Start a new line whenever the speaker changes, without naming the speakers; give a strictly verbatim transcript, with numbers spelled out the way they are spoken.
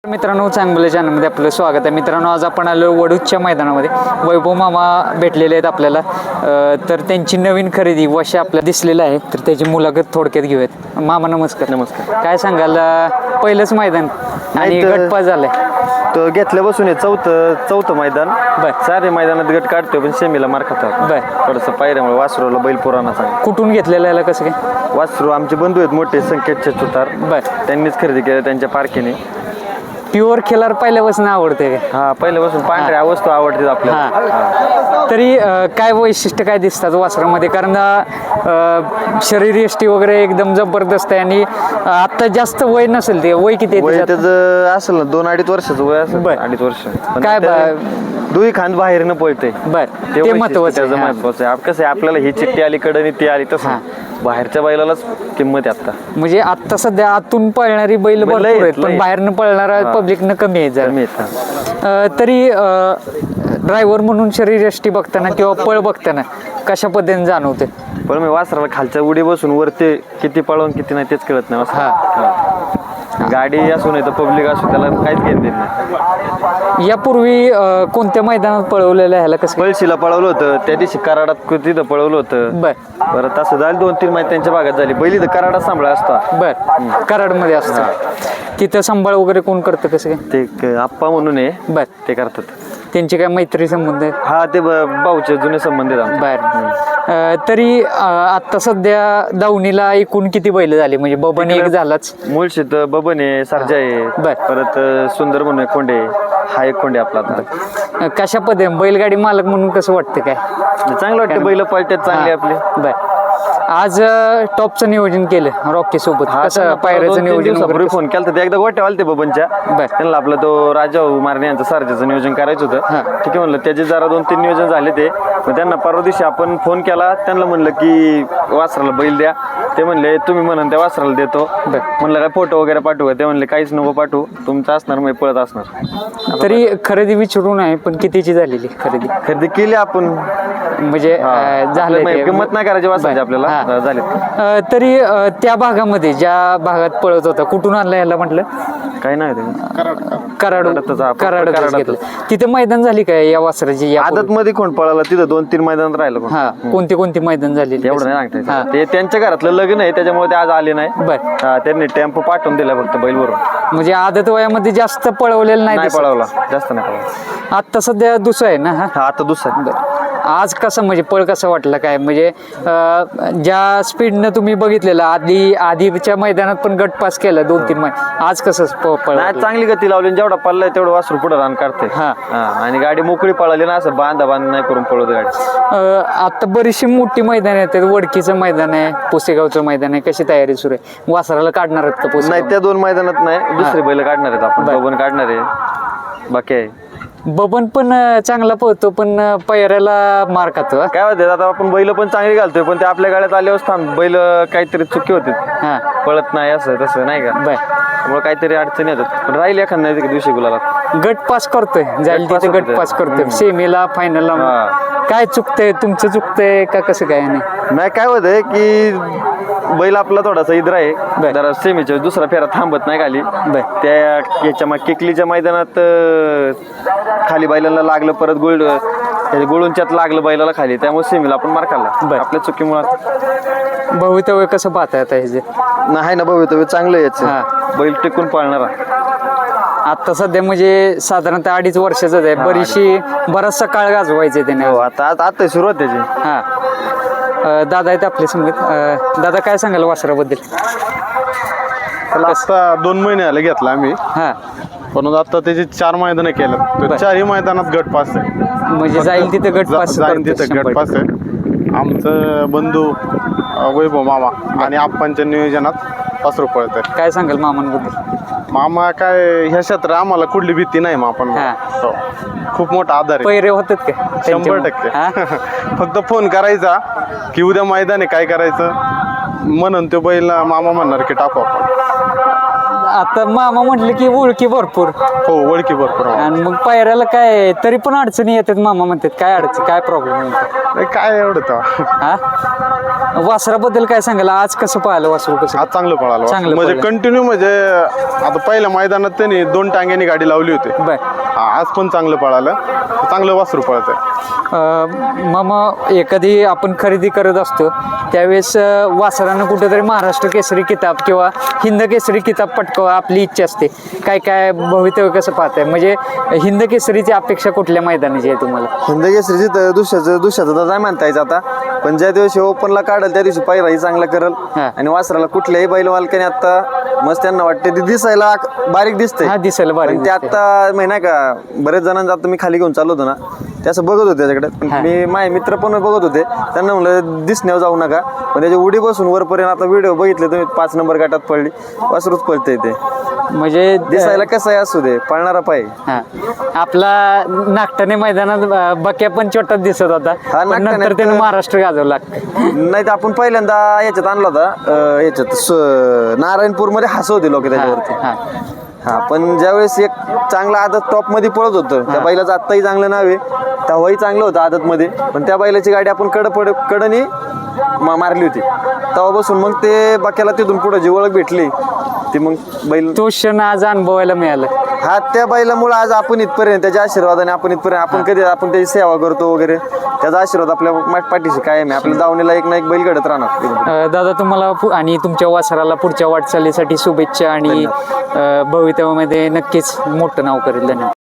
मित्रांनो, चांगलं चॅनलमध्ये आपलं स्वागत आहे. मित्रांनो, आज आपण आलो वडूजच्या मैदानामध्ये. वैभव मामा भेटलेले आहेत आपल्याला. तर त्यांची नवीन खरेदी वशा आपल्याला दिसलेलं आहे, तर त्याची मुलाखत थोडक्यात घेऊयात. मामा नमस्कार.
नमस्कार.
काय सांगाल, पहिलंच मैदान आणि गटपास झालाय
तो घेतल्यापासून हे चौथं चौथं मैदान.
बर.
सारे मैदानात गट काढतोय पण सेमीला मार खातात.
बर.
थोडंसं पायऱ्यामुळे वासरूला बैल पुराणा सांग.
कुठून घेतलेलं याला, कसं काय?
वासरू आमचे बंधू आहेत मोठे संकेतचे सुतार.
बर.
त्यांनीच खरेदी केलं त्यांच्या पारखीने.
प्युअर खेळार पहिल्यापासून आवडते काय?
हा, पहिल्यापासून पांढऱ्या वस्तू आवडतात आपल्याला.
तरी अं, काय वैशिष्ट्य काय दिसतात वासरामध्ये? कारण अं, शरीर यष्टी वगैरे एकदम जबरदस्त आहे आणि अं, आता जास्त वय नसेल. ते वय किती आहे
वय
त्याच्यात?
त्याचं असेल ना दोन अडीच वर्षाचं वय असेल.
बर.
अडीच वर्ष पण
काय
त्याला दुई खांद बाहेर न पळते.
बर,
ते
ते महत्वाचं
त्याचं
आहे.
महत्वाचं आहे. कसं आहे, आपल्याला ही चिठ्ठी आली कडे आणि ती आली तसं बाहेरच्या बैलालाच किंमत आहे आता.
म्हणजे आता सध्या आतून पळणारी बैल भरपूर
लय-
आहेत, पण
लय.
बाहेरनं पळणारा पब्लिकनं कमी आहे जरा.
कमी आहेत.
अं, तरी ड्रायव्हर म्हणून शरीर यष्टी बघताना किंवा पळ बघताना कशा पद्धतीने जाणवते?
पण मी वासराला खालच्या उडी बसून वरती किती पळवून किती नाही तेच कळत नाही वासराला. हा. गाडी असू नाही तर पब्लिक असू त्याला काहीच घेऊन देत नाही.
यापूर्वी अं, कोणत्या मैदानात पळवलेलं ह्याला कसं?
पळशीला पळवलं होतं त्या दिवशी कराडात तिथं पळवलं होतं.
बर
परत असं झालं दोन तीन महिने त्यांच्या भागात झाली. पहिली तर कराडात सांभाळा असता.
बर. कराडमध्ये असतं तिथं सांभाळ वगैरे कोण करतं, कसं काय?
ते एक आप्पा म्हणून आहे,
बर.
ते करतात.
त्यांची काय मैत्री संबंध आहे?
हा, ते ब- भाऊचे जुने संबंध आहेत आमचे.
बर. अं, तरी अं, आता सध्या दावणीला एकूण किती बैल झाले? म्हणजे बबन एक झालाच.
मुळशीत बबन आहे, सरजा आहे.
बर.
परत सुंदर म्हणून एक खोंडे आहे. हा एक खोंडे आपला आता.
अं, कशा पद्धतीने बैलगाडी मालक म्हणून कसं वाटतं काय?
चांगलं वाटतं, बैल पळतात चांगले आपले.
बर. आज टॉपचं नियोजन केलं रॉकी सोबत,
हा,
कसं
त्यांना
पायऱ्याचं
दोन तीन
नियोजन
दिवसापूर्वी
वगैरे कसं?
फोन केला ते एकदा गोट्या आलते बबनच्या.
बर.
त्यांना आपला तो राजा मारणे यांचं सारख्याचं नियोजन करायचं होतं.
हा.
ठीक आहे म्हणलं, त्याचे जरा दोन तीन नियोजन झाले ते. मग त्यांना परवा दिवशी आपण फोन केला, त्यांना म्हणलं की वासराला बैल द्या. ते म्हणले तुम्ही म्हणून त्या वासराला देतो.
बर.
म्हणलं काय फोटो वगैरे पाठवू का? ते म्हणले काहीच नको पाठवू, तुमचं असणार मग पळत असणार.
तरी खरेदी विचारून आहे, पण कितीची झालेली खरेदी?
खरेदी केली आपण.
म्हणजे अं, झालं
आपल्या
ते.
किंमत नाही करायची वासराची
बर.
आपल्याला.
हा.
झाले.
अं, तरी अं, त्या भागामध्ये ज्या भागात पळत होता, कुठून आणलं याला म्हटलं?
काय नाही ते
कराड
कराडातच हा,
कराडच
कराडातच.
घेतलं. तिथे मैदान झाली काय या वासराची? या
आदत मध्ये कोण पळाला तिथं दोन तीन मैदानात राहिलं कोण.
हा, कोणती कोणती मैदान झालेली?
एवढं नाही
हा.
सांगता. ते त्यांच्या घरातलं लग्न आहे त्याच्यामुळे ते आज आले नाही.
बर.
हा, त्यांनी टेम्पो पाठवून दिला फक्त बैलवरून.
म्हणजे आदत वयामध्ये जास्त पळवलेलं नाही
नाही
दिसत.
पळवला, जास्त नाही पळवला.
आता सध्या दुसरं आहे ना? हा.
हा, आता दुसरा.
आज कसं म्हणजे पळ कसं वाटलं काय? म्हणजे अं, ज्या स्पीडनं तुम्ही बघितलेलं आधी आधीच्या मैदानात पण गट पास केला दोन तीन मैदान, आज कसं प- पळ
नाही, चांगली गती लावली. जेवढा पळलाय तेवढं वासरू पुढे रान काढते.
हा.
आणि गाडी मोकळी पळाली ना, असं बांधा बांध नाही करून पळवत गाडी.
अं, आता बरीचशी मोठी मैदान आहेत. वडकीचं मैदान आहे, पुसेगावचं मैदान आहे. कशी तयारी सुरू आहे? वासराला काढणार आहेत का
नाही,
पुसेगाव?
त्या दोन मैदानात नाही, दुसरे बैल काढणार आहेत आपण. बबन काढणार आहे, बाकी आहे.
बबन पण अं, चांगला पळतो, पण अं, पैऱ्याला मार खातो. हा?
काय होते आता, आपण बैल पण चांगली घालतोय पण ते आपल्या गाड्यात आल्यावर थांब बैल काहीतरी चुकी होते,
हा.
पळत नाही असं तसं नाही का.
बर.
त्यामुळे काहीतरी अडचणी येतात. पण राहील एखाद नाही दिवशी गुलाला.
गट पास करतोय, जाईल
गट पास
तिथे गट
होतोय.
पास करतोय. सेमीला फायनलला
हा.
काय चुकतंय? तुमचं चुकतंय का कसं काय? नाही
नाही, काय होतंय की बैल आपला थोडासा इद्र आहे.
बर.
जरा सेमीच्या दुसरा फेरा थांबत नाही खाली.
बर.
त्या याच्या मग केकलीच्या मैदानात अं, खाली बैलाला लागलं, परत गोळ गोळूंच्यात लागलं बैलाला खाली, त्यामुळे सेमीला आपण मार खाल्ला
बर.
आपल्या चुकीमुळे.
भवितव्य कसं पाहताय आता हे जे?
नाही ना, भवितव्य चांगलं यायचं.
हा.
बैल टिकून पाळणारा.
आता सध्या म्हणजे साधारणतः अडीच वर्षाचं आहे. बरीचशी बराचसा काळ गाजवायचे त्याने.
हो, आता आता आता सुरुवात त्याची.
हा. अं, दादा आहेत आपले संगीत. अं, दादा काय सांगाल वासराबद्दल?
त्याला आता दोन महिने आले घेतला आम्ही,
हा.
पण आता त्याची चार मैदान केलं.
बर.
तर चारही मैदानात गट पास आहे.
म्हणजे जाईल तिथे गट
जा-
पास
जाईन
करतोय
तिथे
शंभर
गट पास आहे. आमचं बंधू अं, वैभव मामा आणि आप्पांच्या नियोजनात पासरू पळत आहे.
काय सांगाल मामांबद्दल?
मामा काय ह्या क्षेत्रात आम्हाला कुठली भीती नाही. मग आपण
हा.
हो. खूप मोठा आधार आहे.
पैरे होतात का
शंभर
त्यांच्यामुळे?
टक्के
हा?
फक्त फोन करायचा की उद्या मैदान आहे काय करायचं, म्हणून तो बैल मामा म्हणणार की टाकू आपण.
आता मामा म्हटलं की ओळखी भरपूर,
हो, ओळखी भरपूर आहे.
आणि मग पायऱ्याला काय तरी पण अडचणी येतात. मामा म्हणतात काय अडचण, काय प्रॉब्लेम?
नाही, काय एवढं तर
हा वासराबद्दल काय सांगाल, आज कसं पाहिलं वासरू कसं?
आज चांगलं पळालं
चांगलं
म्हणजे
पळालं.
कंटिन्यू म्हणजे आता पहिल्या मैदानात त्यांनी दोन टांग्यांनी गाडी लावली होती.
बर.
आज पण चांगलं पळालं, चांगलं वासरू पळत आहे.
मग एखादी आपण खरेदी करत असतो त्यावेळेस अं, वासरानं कुठेतरी महाराष्ट्र केसरी किताब किंवा हिंद केसरी किताब पटकावा आपली इच्छा असते. काय काय भवितव्य कसं पाहताय, म्हणजे हिंद केसरीची अपेक्षा कुठल्या मैदानाची आहे तुम्हाला?
हिंद केसरीची तर दुसऱ्याचं दुसऱ्याचं तर नाही म्हणता यायचं आता, पण ज्या दिवशी ओपनला काढल त्या दिवशी पहिलाही चांगला करल.
हा.
आणि वासराला कुठल्याही बैल मालकाने आता मस्त त्यांना वाटते ते दिसायला बारीक दिसतंय.
हा, दिसायला बारीक
पण ते
दिसतंय.
आता माहिती नाही का, बरेच जणांचा आता मी खाली घेऊन चाललो होतो ना, ते असं बघत होते त्याच्याकडे. पण
हा.
मी माझे मित्र पण बघत होते, त्यांना म्हणलं दिसण्यावर जाऊ नका. पण त्याची उडी बसून वरपर्यंत आता व्हिडिओ बघितले तुम्ही, पाच नंबर गटात पडली, वासरूच पळते ते.
म्हणजे
दिसायला कसं आहे असू दे, पळणारा पाय.
हा. आपला नागठाणे मैदानात अं, बक्या पण छोटाच दिसत होता,
हा,
पण
नागठाण्यात
नंतर त्यानं महाराष्ट्र गाजवला.
नाही तर आपण पहिल्यांदा याच्यात आणला होता, अं, याच्यात स- नारायणपूरमध्ये हसवते लोक त्याच्यावरती.
हा.
हा, पण ज्यावेळेस एक चांगला आदत टॉप मध्ये पळत होतं, त्या बैलाचं आत्ताही चांगलं नाव आहे, तेव्हाही चांगलं होतं आदत मध्ये. पण त्या बैलाची गाडी आपण कड पड कडनी मा- मारली होती, तेव्हापासून मग ते बाक्याला तिथून पुढे जी ओळख भेटली ती मग बैल.
तो क्षण आज अनुभवायला मिळाला.
हा, त्या बैलामुळे आज आपण इथपर्यंत, त्याच्या आशीर्वादाने आपण इथपर्यंत, आपण कधी आपण त्याची सेवा करतो वगैरे, त्याचा आशीर्वाद आपल्या माट- पाठीशी कायम आहे. आपल्या दावणीला एक ना एक बैल घडत राहणार.
अ, दादा तुम्हाला पु- आणि तुमच्या वासराला पुढच्या वाटचालीसाठी शुभेच्छा आणि अ, भवितव्यामध्ये नक्कीच मोठं नाव करेल. धन्यवाद.